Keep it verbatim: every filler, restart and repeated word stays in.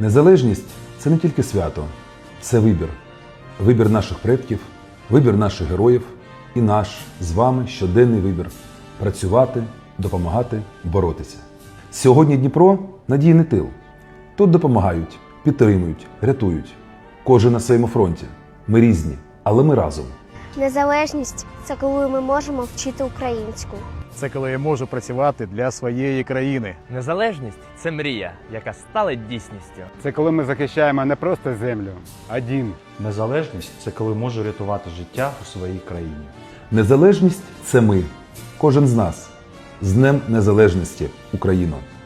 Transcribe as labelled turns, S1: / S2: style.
S1: Незалежність – це не тільки свято, це вибір. Вибір наших предків, вибір наших героїв і наш з вами щоденний вибір – працювати, допомагати, боротися. Сьогодні Дніпро – надійний тил. Тут допомагають, підтримують, рятують. Кожен на своєму фронті. Ми різні, але ми разом.
S2: Незалежність – це коли ми можемо вчити українську.
S3: Це коли я можу працювати для своєї країни.
S4: Незалежність – це мрія, яка стала дійсністю.
S5: Це коли ми захищаємо не просто землю, а дім.
S6: Незалежність – це коли можу рятувати життя у своїй країні.
S1: Незалежність – це ми. Кожен з нас. З Днем Незалежності, Україно!